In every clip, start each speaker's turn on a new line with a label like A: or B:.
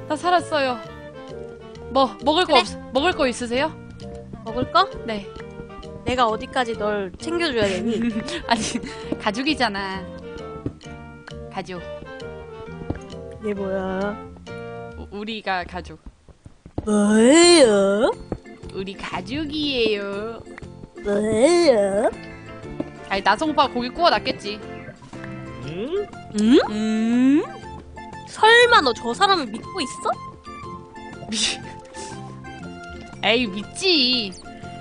A: 나 살았어요. 먹을 거 있으세요?
B: 먹을 거?
A: 네.
B: 내가 어디까지 널 챙겨줘야 되니?
A: 아니, 가죽이잖아. 가죽.
B: 이게 뭐야?
A: 우리가 가죽.
B: 뭐예요?
A: 우리 가죽이에요.
B: 뭐예요?
A: 아니, 나성오빠 고기 구워놨겠지.
C: 응?
B: 응? 설마 너 저 사람을 믿고 있어?
A: 에이, 믿지.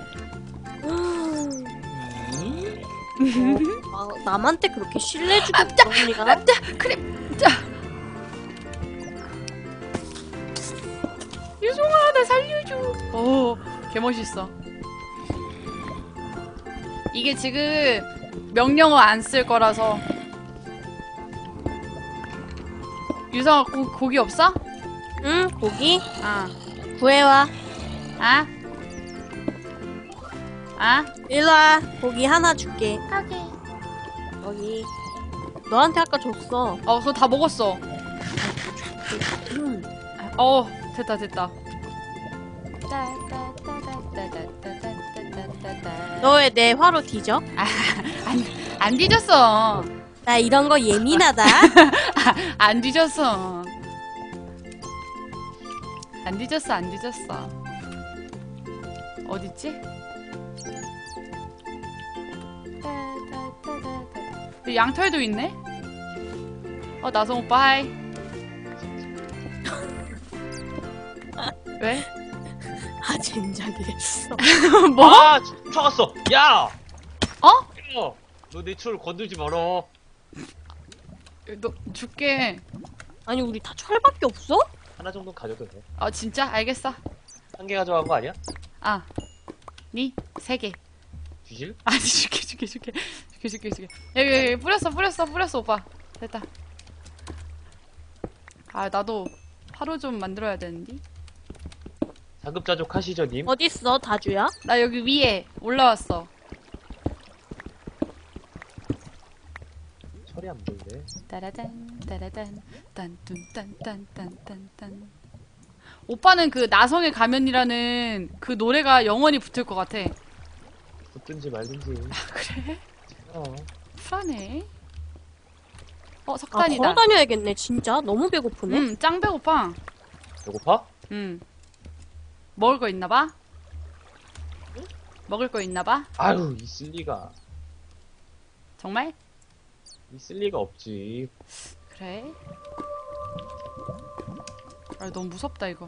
B: 남한테 그렇게 신뢰주고 그런 리가?
A: 그래. 자. 유송아, 나 살려줘. 오, 개멋있어. 이게 지금 명령어 안 쓸 거라서. 유성아, 고기 없어?
B: 응, 고기?
A: 아.
B: 구해와.
A: 아? 아?
B: 일로와. 고기 하나 줄게.
A: 오케이.
B: 여기. 너한테 아까 줬어.
A: 그거 다 먹었어. 됐다.
B: 너 왜 내 화로 뒤져?
A: 안 뒤졌어.
B: 나 이런 거 예민하다.
A: 안 뒤졌어. 안 뒤졌어. 어딨지? 양털도 있네? 나성 오빠 하이. 왜?
B: 아, 젠장이 됐어.
A: 뭐?
C: 아, 쫓아갔어. 야!
A: 어?
C: 너 내 철 건들지 마라.
A: 너 줄게.
B: 아니, 우리 다 철밖에 없어?
C: 하나 정도 가져도 돼.
A: 진짜? 알겠어.
C: 한 개 가져간 거 아니야?
A: 니 3개.
C: 뒤질?
A: 아니, 줄게. 여기 뿌렸어, 오빠. 됐다. 나도 화로 좀 만들어야 되는데.
C: 자급자족 하시죠, 님.
B: 어딨어, 다주야?
A: 나 여기 위에 올라왔어.
C: 철이 안 보이네.
A: 따라단, 딴. 오빠는 그 나성의 가면이라는 그 노래가 영원히 붙을 것 같아.
C: 붙든지 말든지.
A: 그래?
C: 어.
A: 쿨하네.
B: 아,
A: 석탄이다.
B: 걸어 다녀야겠네, 진짜. 너무 배고프네.
A: 짱 배고파.
C: 배고파?
A: 먹을 거 있나봐? 먹을 거 있나봐?
C: 아유, 있을 리가.
A: 정말?
C: 있을 리가 없지.
A: 그래? 너무 무섭다, 이거.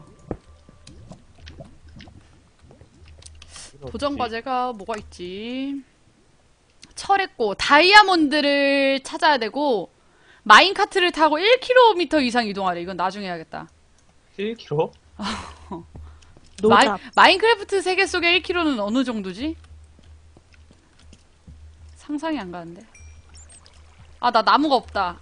A: 도전 과제가 뭐가 있지? 철했고, 다이아몬드를 찾아야 되고, 마인카트를 타고 1km 이상 이동하래. 이건 나중에 해야겠다.
C: 1kg?
B: 노답.
A: 마인크래프트 세계 속의 1km는 어느 정도지? 상상이 안 가는데. 나 나무가 없다.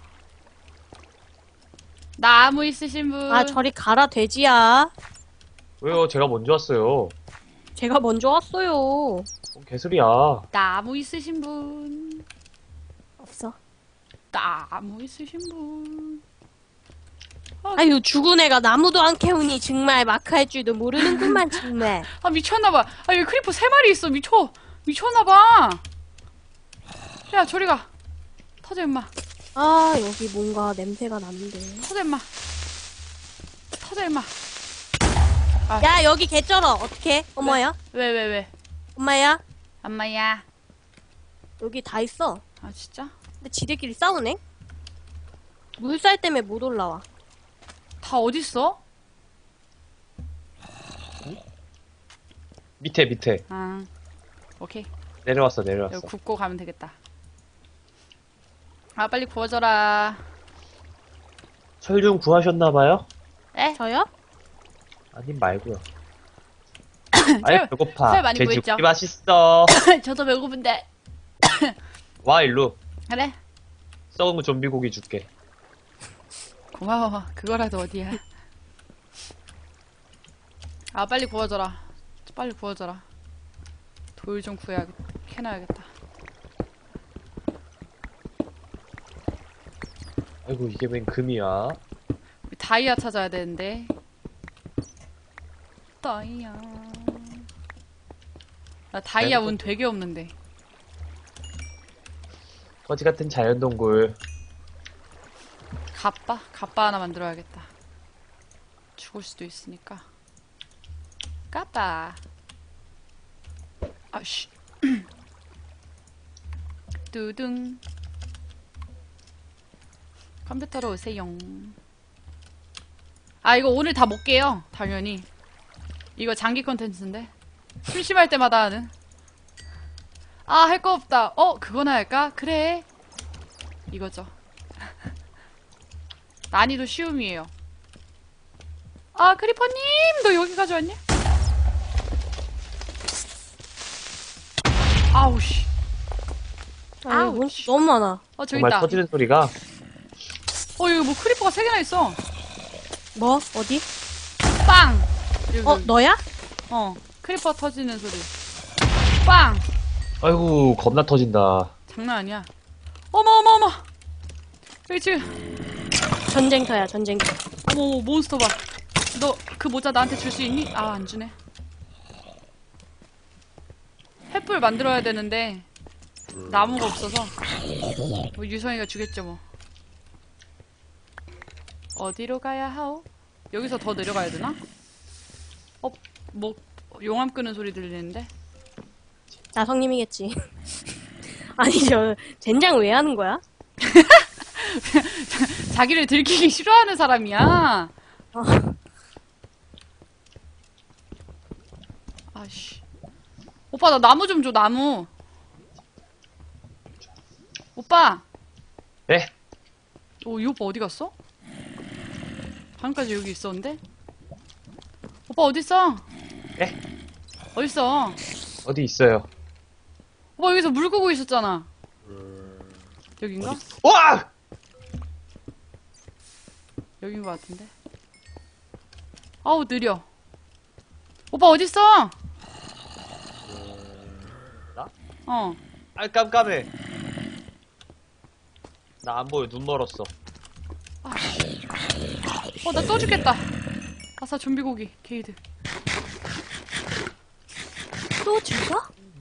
A: 나무 있으신 분?
B: 아, 저리 가라, 돼지야.
C: 왜요? 제가 먼저 왔어요.
B: 제가 먼저 왔어요.
C: 뭔 개소리야.
A: 나무 있으신 분?
B: 없어.
A: 나무 있으신 분?
B: 아유, 죽은 애가 나무도 안 캐우니 정말 마크 할 줄도 모르는구만, 정말.
A: 미쳤나봐. 여기 크리퍼 3마리 있어. 미쳤나봐. 야, 저리 가. 터져, 임마.
B: 아, 여기 뭔가 냄새가 나는데.
A: 터져, 임마.
B: 야, 여기 개쩔어. 어떡해? 엄마야?
A: 왜?
B: 엄마야?
A: 엄마야.
B: 여기 다 있어.
A: 진짜?
B: 근데 지들끼리 싸우네? 물살 때문에 못 올라와.
A: 다 어딨어?
C: 밑에.
A: 오케이.
C: 내려왔어.
A: 여기 굽고 가면 되겠다. 빨리 구워줘라.
C: 철 좀 구하셨나봐요?
A: 에?
B: 저요?
C: 아님 말고요. 아이, 배고파.
A: 철 많이 구했죠?
C: 돼지고기 맛있어.
A: 저도 배고픈데.
C: 와, 일로.
A: 그래?
C: 썩은 좀비 고기 줄게.
A: 고마워. 그거라도 어디야. 빨리 구워줘라. 돌 좀 캐놔야겠다.
C: 아이고, 이게 웬 금이야?
A: 우리 다이아 찾아야 되는데. 다이아. 나 다이아 운 되게 없는데.
C: 거지 같은 자연동굴.
A: 갑바 하나 만들어야겠다. 죽을 수도 있으니까. 까빠. 아씨. 뚜둥. 컴퓨터로 오세요. 아, 이거 오늘 다 못 깨요. 당연히. 이거 장기 컨텐츠인데. 심심할 때마다 하는. 아, 할 거 없다. 그거나 할까? 그래. 이거죠. 난이도 쉬움이에요. 아, 크리퍼님! 너 여기까지 왔냐? 아우, 씨.
B: 아유,
A: 아우치.
B: 너무 많아.
A: 저기
C: 정말
A: 있다.
C: 터지는 소리가.
A: 여기 뭐 크리퍼가 3개나 있어.
B: 뭐? 어디?
A: 빵! 여기.
B: 너야?
A: 크리퍼 터지는 소리. 빵!
C: 아이고, 겁나 터진다.
A: 장난 아니야. 어머. 여기 지금,
B: 전쟁터야, 전쟁터.
A: 어머, 몬스터 봐. 너 그 모자 나한테 줄 수 있니? 아, 안 주네. 횃불 만들어야 되는데, 나무가 없어서. 뭐 유성이가 주겠죠, 뭐. 어디로 가야 하오? 여기서 더 내려가야 되나? 뭐, 용암 끄는 소리 들리는데?
B: 나성님이겠지. 아니, 젠장 왜 하는 거야?
A: 자기를 들키기 싫어하는 사람이야. 아씨. 오빠, 나 나무 좀 줘, 나무. 오빠.
C: 네?
A: 이 오빠 어디 갔어? 방금까지 여기 있었는데? 오빠 어딨어?
C: 네?
A: 어딨어?
C: 어디 있어요?
A: 오빠 여기서 물 끄고 있었잖아. 여긴가?
C: 와!
A: 여긴 것 같은데? 아우, 느려. 오빠 어딨어?
C: 나?
A: 어.
C: 아, 깜깜해. 나 안 보여. 눈 멀었어.
A: 나 또 죽겠다. 아싸, 좀비 고기, 게이드.
B: 또 죽어?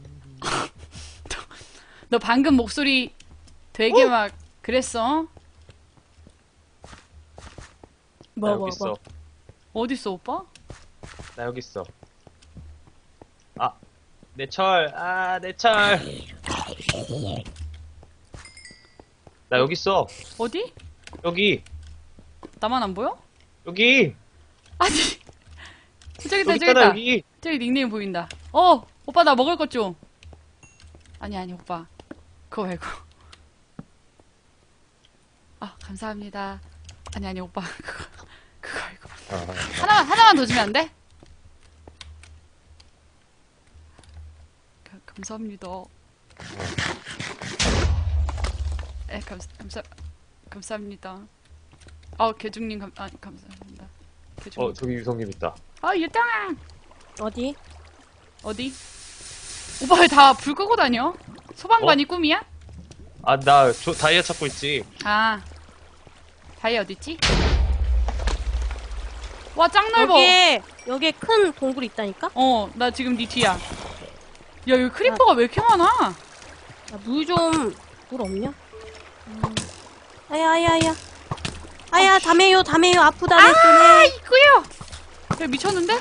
A: 너 방금 목소리 되게 막 그랬어?
C: 나 여기 있어.
A: 어딨어, 오빠?
C: 나 여기 있어. 아, 내 철. 아, 내 철. 나 여기 있어.
A: 어디?
C: 여기.
A: 나만 안 보여?
C: 여기.
A: 아니. 저기 있다,
C: 여기
A: 저기
C: 있잖아,
A: 있다.
C: 여기.
A: 저기 닉네임 보인다. 오빠 나 먹을 것 좀. 아니, 오빠. 그거 말고. 아, 감사합니다. 아니, 오빠. 그거 말고. 하나만 더 주면 안 돼? 감사합니다. 네, 감사합니다. 개중님 감사합니다. 개중님.
C: 저기 유성님 있다.
A: 유땅아!
B: 어디?
A: 어디? 오빠 왜 다 불 끄고 다녀? 소방관이 꿈이야?
C: 아, 나 다이아 찾고 있지.
A: 아. 다이아 어딨지? 와, 짱 넓어!
B: 여기에 큰 동굴이 있다니까?
A: 나 지금 네 뒤야. 야, 여기 크리퍼가 왜 이렇게 많아?
B: 물 없냐? 아야. 아야, 담에요, 아프다, 내 손에.
A: 이거요! 야, 미쳤는데?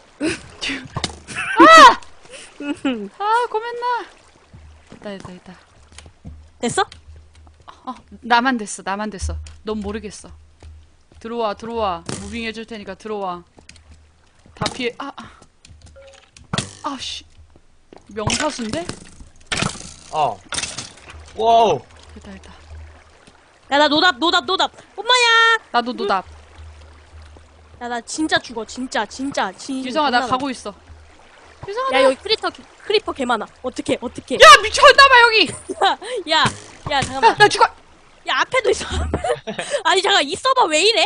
A: 고맨나. 됐다.
B: 됐어?
A: 나만 됐어. 넌 모르겠어. 들어와. 무빙 해줄 테니까 들어와. 다 피해. 씨. 명사수인데?
C: 와우.
A: 됐다.
B: 야, 나 노답. 엄마야!
A: 나도 노답.
B: 야, 나 진짜 죽어, 진짜.
A: 유성아, 나 가고 있어. 유성아,
B: 야, 여기 크리퍼 개 많아. 어떡해.
A: 야, 미쳤나봐, 여기!
B: 야, 잠깐만.
A: 나 죽어!
B: 야, 앞에도 있어. 아니, 잠깐, 이 서버 왜 이래?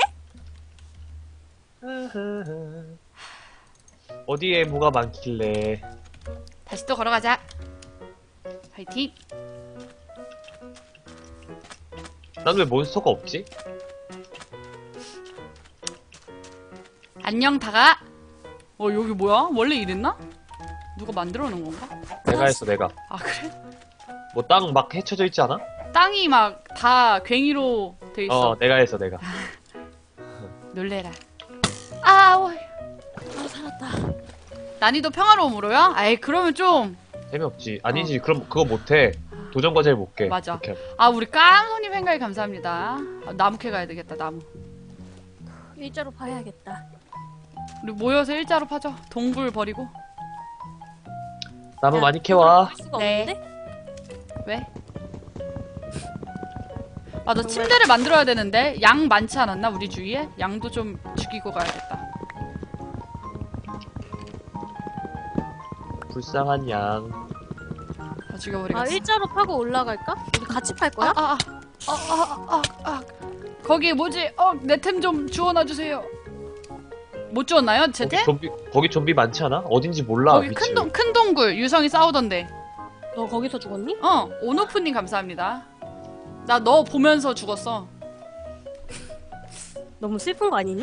C: 어디에 뭐가 많길래.
A: 다시 또 걸어가자. 파이팅!
C: 난 왜 몬스터가 없지?
A: 안녕, 다가. 여기 뭐야? 원래 이랬나? 누가 만들어 놓은 건가?
C: 내가 했어, 내가.
A: 아, 그래?
C: 뭐 땅 막 헤쳐져 있지 않아?
A: 땅이 막 다 괭이로 돼 있어.
C: 내가 했어, 내가.
A: 놀래라. 아,
B: 아, 살았다.
A: 난이도 평화로움으로요? 아이, 그러면 좀.
C: 재미없지. 아니지, 그럼 그거 못해. 도전 과제를 못 깨.
A: 맞아.
C: 그렇게 하면.
A: 아, 우리 깡손님 행가에 감사합니다. 나무 캐 가야 되겠다, 나무.
B: 일자로 봐야겠다.
A: 우리 모여서 일자로 파죠. 동굴 버리고.
C: 나무
B: 야,
C: 많이 캐와.
B: 볼 수가
A: 네.
B: 없는데?
A: 왜? 맞아, 침대를 만들어야 되는데 양 많지 않았나 우리 주위에? 양도 좀 죽이고 가야겠다.
C: 불쌍한 양.
A: 다 죽여버리겠어.
B: 아, 일자로 파고 올라갈까? 우리 같이 팔 거야?
A: 거기 뭐지? 내 템 좀 주워놔 주세요. 못 주웠나요? 제 템?
C: 거기 좀비 많지 않아? 어딘지 몰라.
A: 거기
C: 위치.
A: 큰 동굴 유성이 싸우던데.
B: 너 거기서 죽었니?
A: 온오프님 감사합니다. 나 너 보면서 죽었어.
B: 너무 슬픈 거 아니니?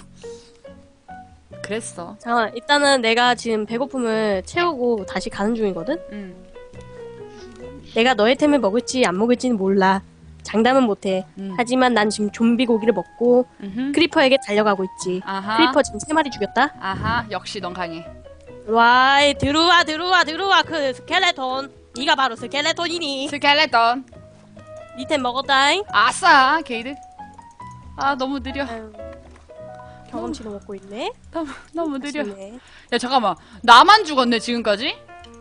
A: 그랬어.
B: 잠깐만, 일단은 내가 지금 배고픔을 채우고 다시 가는 중이거든?
A: 응.
B: 내가 너의 템을 먹을지 안 먹을지는 몰라. 장담은 못해. 하지만 난 지금 좀비 고기를 먹고 크리퍼에게 달려가고 있지.
A: 아하.
B: 크리퍼 지금 3마리 죽였다?
A: 아하. 역시 넌 강해.
B: 와, 들어와 그 스켈레톤. 네가 바로 스켈레톤이니.
A: 스켈레톤.
B: 니 템 먹었다잉.
A: 아싸. 게이드. 아, 너무 느려.
B: 아유, 경험치도 먹고 있네.
A: 너무 느려.
B: 아쉽네.
A: 야, 잠깐만. 나만 죽었네, 지금까지?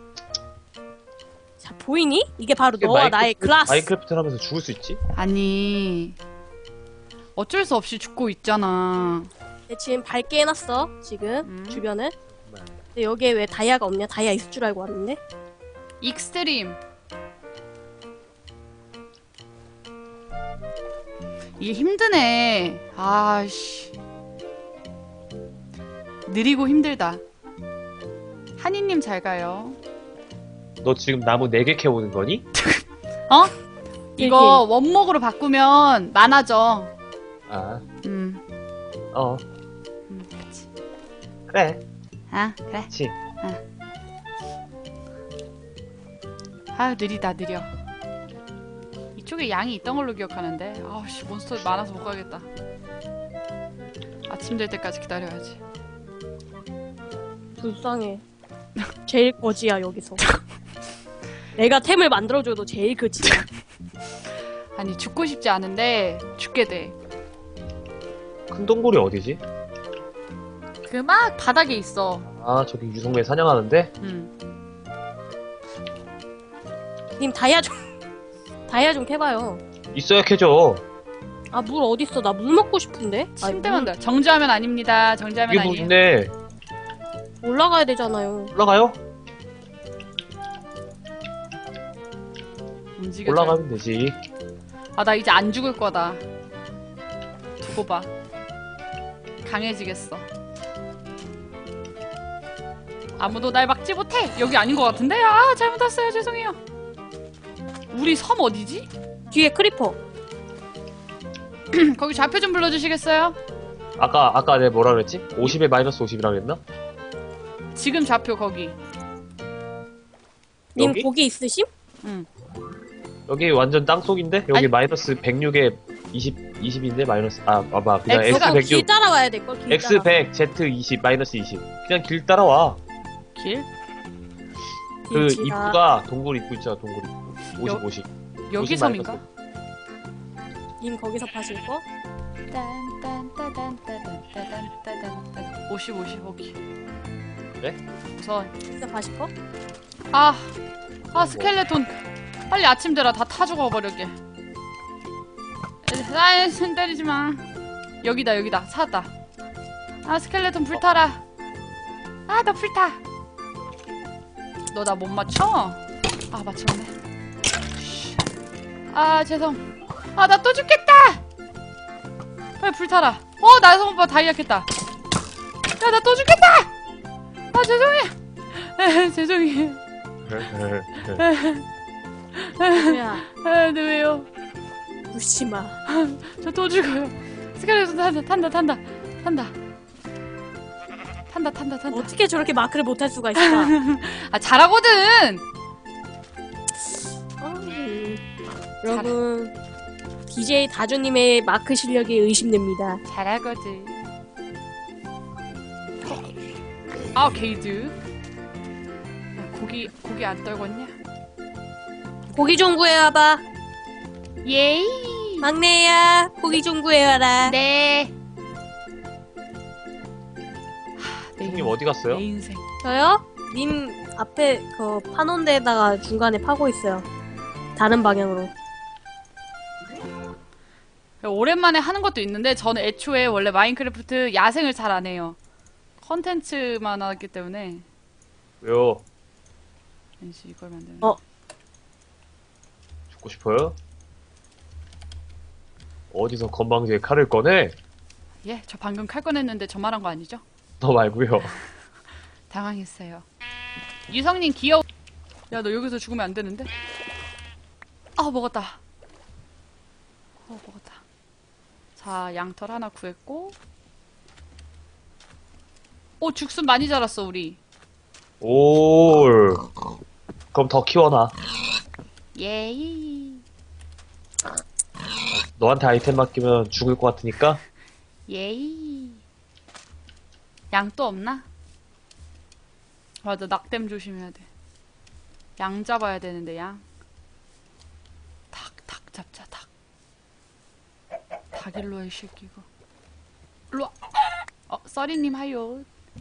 B: 자, 보이니? 이게 바로 너와 나의 클라스.
C: 마인크래프트를 하면서 죽을 수 있지?
A: 아니. 어쩔 수 없이 죽고 있잖아.
B: 내 지금 밝게 해놨어. 지금 주변을. 근데 여기에 왜 다이아가 없냐? 다이아 있을 줄 알고 왔는데.
A: 익스트림. 이게 힘드네. 아씨. 느리고 힘들다. 한이님 잘 가요.
C: 너 지금 나무 4개 캐오는 거니?
A: 어? 이거 원목으로 바꾸면 많아져.
C: 아,
A: 음. 그치.
C: 그래.
A: 아, 그래.
C: 그치.
A: 아, 느려. 이쪽에 양이 있던 걸로 기억하는데. 아우씨, 몬스터 많아서 못 가겠다. 아침 될 때까지 기다려야지.
B: 불쌍해. 제일 거지야 여기서. 내가 템을 만들어줘도 제일 거지야.
A: 아니, 죽고 싶지 않은데 죽게 돼.
C: 큰 동굴이 어디지?
A: 그 막 바닥에 있어.
C: 아, 저기 유성매 사냥하는데?
B: 님 다이아 좀 캐봐요.
C: 있어야 캐죠.
B: 아, 물 어딨어? 나 물 먹고 싶은데?
A: 침대만 돼. 정지하면 아닙니다. 정지하면
C: 이게
A: 아니에요.
C: 물인데
B: 올라가야 되잖아요.
C: 올라가요?
A: 움직여.
C: 올라가면 되지.
A: 아, 나 이제 안 죽을 거다. 두고 봐. 강해지겠어. 아무도 날 막지 못해. 여기 아닌 것 같은데? 아, 잘못 왔어요. 죄송해요. 우리 섬 어디지?
B: 뒤에 크리퍼.
A: 거기 좌표 좀 불러주시겠어요?
C: 아까 내가 뭐라 그랬지? 50에 마이너스 50이라 그랬나?
A: 지금 좌표 거기.
B: 님
C: 여기?
B: 고기 있으심?
A: 응.
C: 여기 완전 땅속인데? 여기
A: 아니.
C: 마이너스 106에 20인데 마이너스 봐봐 그냥
A: X가
C: X
B: 길
C: 106
B: 따라와야 될걸. 길
C: X
B: 따라.
C: 100 Z 20 마이너스 20 그냥 길 따라와.
A: 길?
C: 그
B: 길지가-
C: 입구가 동굴 입구 있잖아. 동굴 입구 50
A: 여-
C: 50
A: 여기
C: 50
A: 섬인가?
C: 마이너스.
B: 님 거기서 파실 거?
A: 50, 50, 오케이.
C: 그래?
A: 우선.
B: 거기서 파실 거?
A: 스켈레톤. 빨리 아침 되라. 다 타 죽어버렸게. 손 때리지 마. 여기다. 찾았다. 스켈레톤 불타라. 나 불타. 너 나 못 맞춰? 맞췄네. 죄송. 나 또 죽겠다! 빨리 불타라. 나성 오빠 다이아 캤다. 야, 나 또 죽겠다! 죄송해. 죄송해요.
B: 뭐야?
A: 네, 왜요?
B: 울지마.
A: 저 또 죽어요. 스켈레톤 탄다. 탄다.
B: 어떻게 저렇게 마크를 못할 수가 있을까?
A: 아, 잘하거든!
B: 여러분, DJ 다주님의 마크 실력이 의심됩니다.
A: 잘하거든. 아, 게이드. 고기 안 떨궜냐?
B: 고기 좀 구해와봐.
A: 예이!
B: 막내야, 고기 좀 구해와라.
A: 네.
C: 형님 어디 갔어요?
A: 내 인생.
B: 저요? 님 앞에 그 파놓은 데다가 중간에 파고 있어요. 다른 방향으로.
A: 오랜만에 하는 것도 있는데 저는 애초에 원래 마인크래프트 야생을 잘 안 해요. 컨텐츠만 하기 때문에.
C: 왜요?
A: 왠지 이걸 만드는.
C: 죽고 싶어요? 어디서 건방지게 칼을 꺼내?
A: 예, 저 방금 칼 꺼냈는데 저 말한 거 아니죠?
C: 너 말고요.
A: 당황했어요. 유성님 귀여워. 야, 너 여기서 죽으면 안 되는데? 아, 먹었다. 먹었다. 자, 양털 하나 구했고. 오, 죽순 많이 자랐어, 우리.
C: 올. 그럼 더 키워놔.
A: 예이.
C: 너한테 아이템 맡기면 죽을 것 같으니까.
A: 예이. 양 또 없나? 맞아, 낙댐 조심해야 돼. 양 잡아야 되는데, 양. 닭 잡자, 닭. 닭 일로와, 이 새끼, 이거. 일로와. 써리님 하요.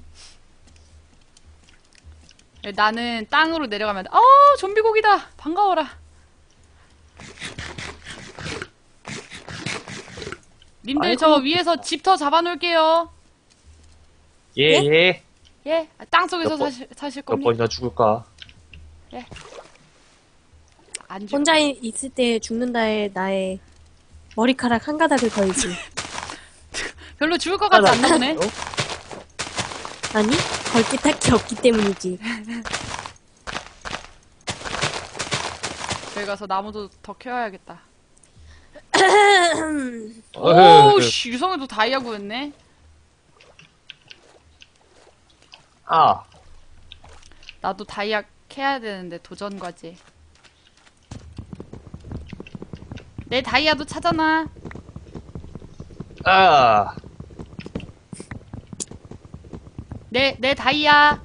A: 나는 땅으로 내려가면 돼. 좀비 고기다. 반가워라. 님들
B: 아이고.
A: 저 위에서 집터 잡아놓을게요.
C: 예.
A: 예, 땅속에서
C: 몇 번-
A: 사실
C: 몇
A: 겁니다.
C: 번이나 죽을까?
A: 안 죽.
B: 혼자 있을 때 죽는다에 나의 머리카락 한 가닥을 걸지.
A: 별로 죽을 것 같지 않나 보네.
B: 아니, 걸 게 딱히 없기 때문이지.
A: 저기 가서 나무도 더 캐와야겠다.
C: 어휴.
A: 오, 씨, 유성이도 다이아 구했네.
C: 아,
A: 나도 다이아 캐야 되는데 도전 과제. 내 다이아도 찾아놔.
C: 아.
A: 내 다이아.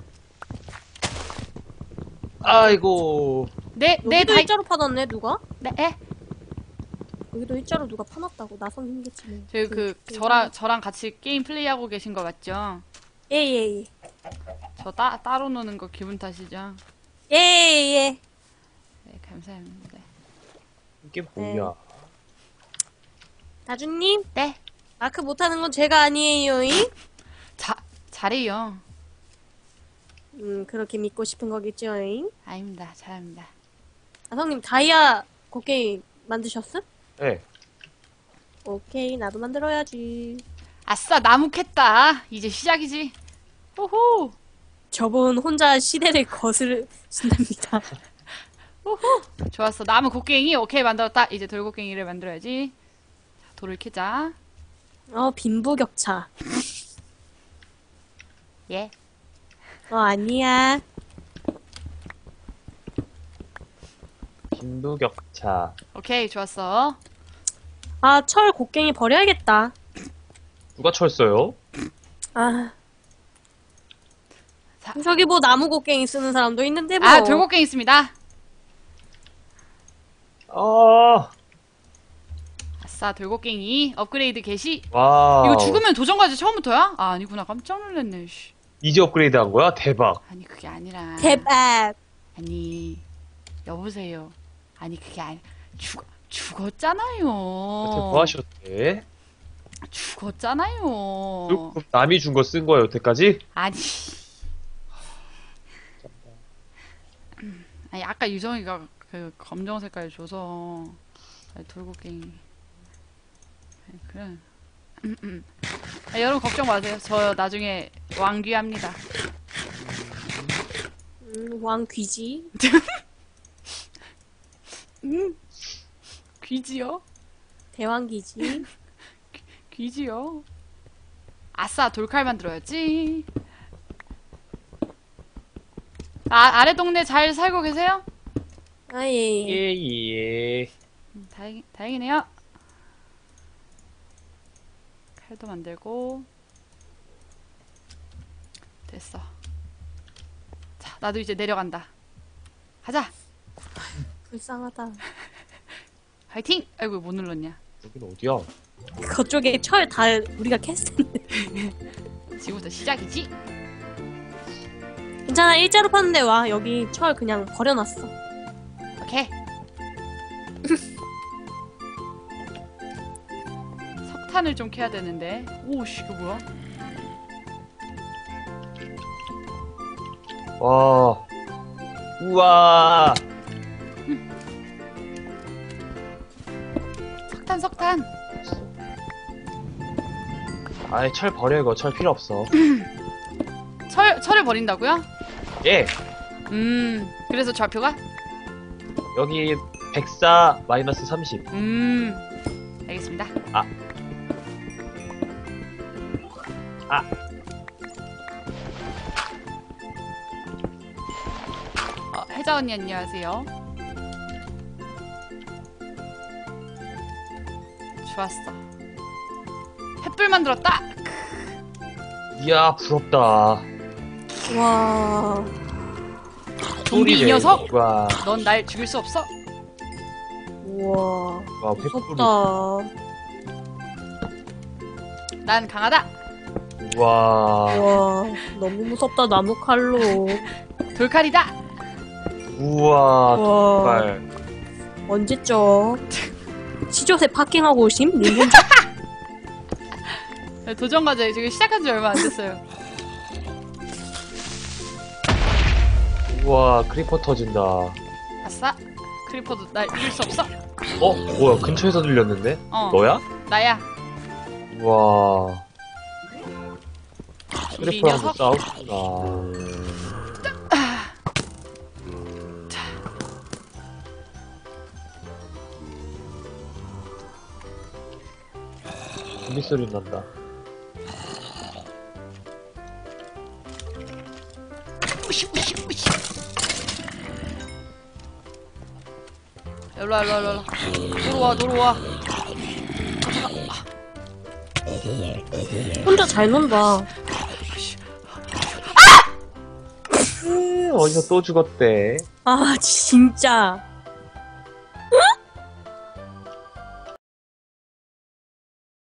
C: 아이고.
A: 내
B: 여기도
A: 다이.
B: 일자로 파놨네, 누가?
A: 네.
B: 여기도 일자로 누가 파놨다고. 나선 힘겠지네.
A: 저랑 같이 게임 플레이하고 계신 거 맞죠?
B: 예.
A: 저 따로 노는 거 기분 탓이죠?
B: 예.
A: 네, 감사합니다.
C: 이게 뭐야?
B: 다주님,
A: 네.
B: 마크 못하는 건 제가 아니에요잉?
A: 잘해요.
B: 그렇게 믿고 싶은 거겠죠잉?
A: 아닙니다. 잘합니다.
B: 아성님, 다이아 곡괭이 만드셨음?
C: 네.
B: 오케이, 나도 만들어야지.
A: 아싸, 나무 캤다. 이제 시작이지. 호호.
B: 저분 혼자 시대를 거스르신답니다.
A: 호호. 좋았어. 나무 곡괭이 오케이 만들었다. 이제 돌곡괭이를 만들어야지. 자, 돌을 캐자.
B: 빈부격차.
A: 예.
B: 아니야.
C: 빈부격차.
A: 오케이, 좋았어.
B: 철 곡괭이 버려야겠다.
C: 누가 철써요?
A: 자.
B: 저기 뭐 나무 곡괭이 쓰는 사람도 있는데 뭐.
A: 돌곡괭이 있습니다. 아싸, 돌곡괭이 업그레이드 개시.
C: 와.
A: 이거 죽으면 도전과제 처음부터야? 아니구나. 깜짝 놀랐네. 씨.
C: 이제 업그레이드 한 거야? 대박.
A: 아니, 그게 아니라.
B: 대박.
A: 아니, 여보세요. 아니, 그게 죽었잖아요.
C: 뭐 하셨대?
A: 죽었잖아요.
C: 그럼 남이 준 거 쓴 거야, 여태까지?
A: 아니. 아니, 아까 유정이가 그 검정 색깔 줘서 돌고갱이. 그래. 여러분 걱정 마세요. 저 나중에 왕귀합니다.
B: 왕귀지.
A: 귀지요?
B: 대왕귀지.
A: 귀지요? 아싸, 돌칼 만들어야지. 아래 동네 잘 살고 계세요?
B: 아예.
C: 예예.
A: 다행이네요. 칼도 만들고. 됐어. 자, 나도 이제 내려간다. 가자.
B: 불쌍하다.
A: 화이팅! 아이고, 못 눌렀냐.
C: 여긴 어디야?
B: 그쪽에 철 다 우리가 캤었는데.
A: 지금부터 시작이지?
B: 괜찮아, 일자로 파는데 와. 여기 철 그냥 버려놨어.
A: 오케이. 석탄을 좀 캐야 되는데. 오씨, 이거 뭐야?
C: 와. 우와.
A: 석탄.
C: 아이, 철 버려, 이거. 철 필요 없어.
A: 철을 버린다고요?
C: 예.
A: 그래서 좌표가?
C: 여기 104 마이너스 30.
A: 알겠습니다. 혜자 언니 안녕하세요. 좋았어. 횃불 만들었다.
C: 이야, 부럽다.
B: 와.
A: 좀비 이
C: 소리래.
A: 녀석!
C: 와.
A: 넌 날 죽일 수 없어.
B: 우와.
C: 와,
B: 무섭다.
A: 난 강하다.
C: 와.
B: 와. 너무 무섭다, 나무 칼로.
A: 돌칼이다.
C: 우와,
B: 와.
C: 정말.
B: 언제적? 시조새 파킹하고 오심? 닌겐자?
A: 도전 과제 지금 시작한 지 얼마 안 됐어요.
C: 우와, 크리퍼 터진다.
A: 아싸. 크리퍼도 날 이길 수 없어.
C: 뭐야, 근처에서 들렸는데?
A: 어.
C: 너야?
A: 나야.
C: 우와.
A: 우리 이
C: 크리퍼랑
A: 녀석.
C: 싸우구나. 좀비 소리 난다.
A: 우시. 일로와. 도로와.
B: 혼자 잘 논다.
C: 어디서 또 죽었대.
B: 아, 진짜.